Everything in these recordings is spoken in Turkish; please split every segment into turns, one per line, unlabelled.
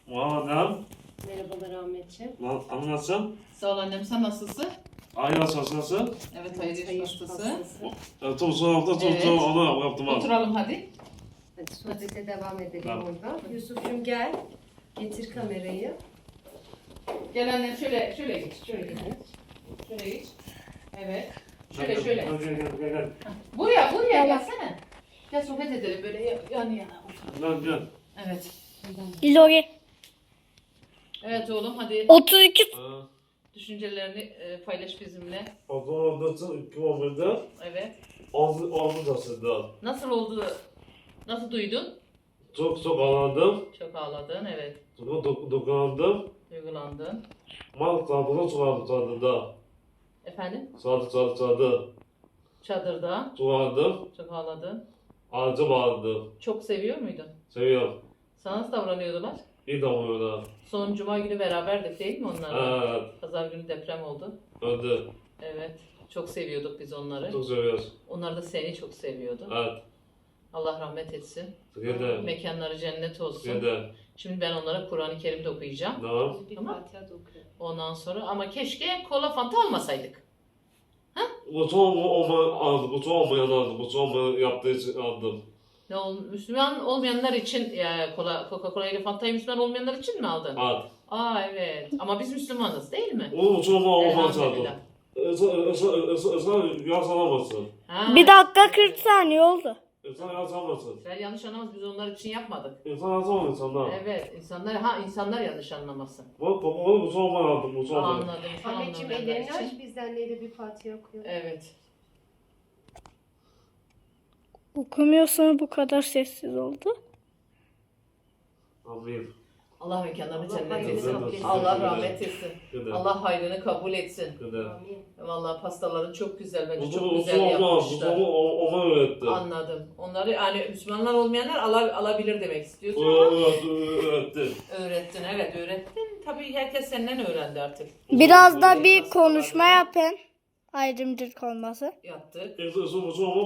Madem.
Merhabalar Ahmetciğim.
Anlatsın.
Sağ ol annem, sen nasılsın?
Aynı hastası.
Evet, hayır hastası.
Son hafta
Evet.
onu yaptım.
Oturalım hadi.
Hadi sohbete devam edelim
Tamam.
orada. Yusuf'cum gel. Getir kamerayı.
Gel annem şöyle geç. Şöyle geç. Evet. Şöyle.
Gel.
Buraya gelsene. Gel sohbet edelim böyle yan yana.
Gel.
Evet.
Lori.
Evet oğlum hadi
32.
düşüncelerini paylaş bizimle.
Otomobilde kilometre
Evet.
Avrupa'sında.
Nasıl oldu? Nasıl duydun?
Çok ağladım.
Çok ağladın, evet.
Çok dokunandım.
Duygulandın.
Mal tablonu çıkardım çadırda.
Efendim?
Çadır.
Çadırda.
Çıkardım.
Çok ağladın.
Ağacı bağladım.
Çok seviyor muydun?
Seviyorum.
Sana nasıl davranıyordular?
İyi damlıyorlar.
Son cuma günü beraberdik değil mi onlarla?
Evet.
Pazar günü deprem oldu.
Öldü.
Evet. Çok seviyorduk biz onları.
Çok seviyoruz.
Onlar da seni çok seviyordu.
Evet.
Allah rahmet etsin.
Gide.
Mekanları cennet olsun.
Gide.
Şimdi ben onlara Kur'an-ı Kerim de okuyacağım.
Tamam.
Bir
Tamam.
Fatiha da okuyalım.
Ondan sonra ama keşke kola fanta almasaydık.
Kutu aldım. Kutu olmayan aldım. Kutu olmayan yaptığı için aldım.
Müslüman olmayanlar için Coca-Cola ile Fanta'yı Müslüman olmayanlar için mi aldın?
Evet.
Aa evet. Ama biz Müslümanız değil mi?
Onu kutu olmayan aldım.
Elhamdülillah.
Sen yasalamazsın.
Ha,
1 dakika 40 saniye oldu.
Sen yasalamazsın.
Sen yanlış anlamaz, biz onlar için yapmadık.
İnsan yasamaz insanlar.
Evet, insanlar yanlış anlamasın.
Bak onu kutu olmayan aldım. Kutu olmayan.
Anladım. Şu
Ahmetciğim
anlamayanlar
ellerini
için.
aç biz de anneyle bir Fatiha okuyalım.
Evet.
Okumuyorsan bu kadar sessiz oldu.
Amin.
Allah mekanlarını
Allah
cennet
hayrını
etsin.
kabul etsin.
Allah rahmet etsin.
Gide.
Allah hayrını kabul etsin.
Gide.
Amin.
Vallahi pastaları çok güzel, bence
Kutu
çok
kutu
güzel
olmaz. Kutu
yapmışlar.
ona öğretti.
Anladım. Onları yani Müslümanlar olmayanlar alabilir demek istiyorsun.
Öğretti.
Öğrettin, evet öğrettin. Tabii herkes senden öğrendi artık.
Biraz da bir konuşma yapın. Ayrımcılık olması.
Yaptık.
Kutu olma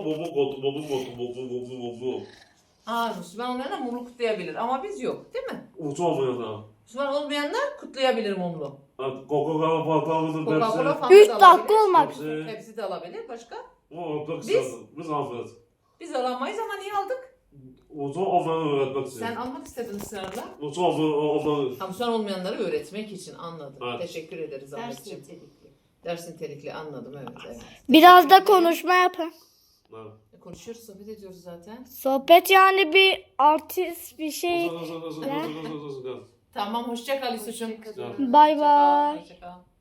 bobu.
Müslüman olmayanlar mumlu kutlayabilir ama biz yok değil mi?
Kutu olmayan.
Müslüman olmayanlar kutlayabilir mumlu.
Coca-Cola patlamızın
Coca-Cola
hepsi.
Fanta
3
da
dakika
alabilir.
olmak.
Hepsi.
Hepsi de alabilir. Başka?
Biz almayız.
Biz alamayız ama niye aldık?
Kutu olmayan öğretmek için.
Sen almak istedin ısrarla.
Kutu olmayan.
Müslüman olmayanları öğretmek için anladım.
Evet.
Teşekkür ederiz
Ders
Ahmetciğim.
nitelikli.
Dersin nitelikli anladım evet.
Biraz da konuşma yapın.
Konuşuyoruz, sohbet ediyoruz zaten.
Sohbet yani bir artist bir şey.
Tamam, hoşça kal Yusuf'cum.
Bay bay.
Hoşça kal.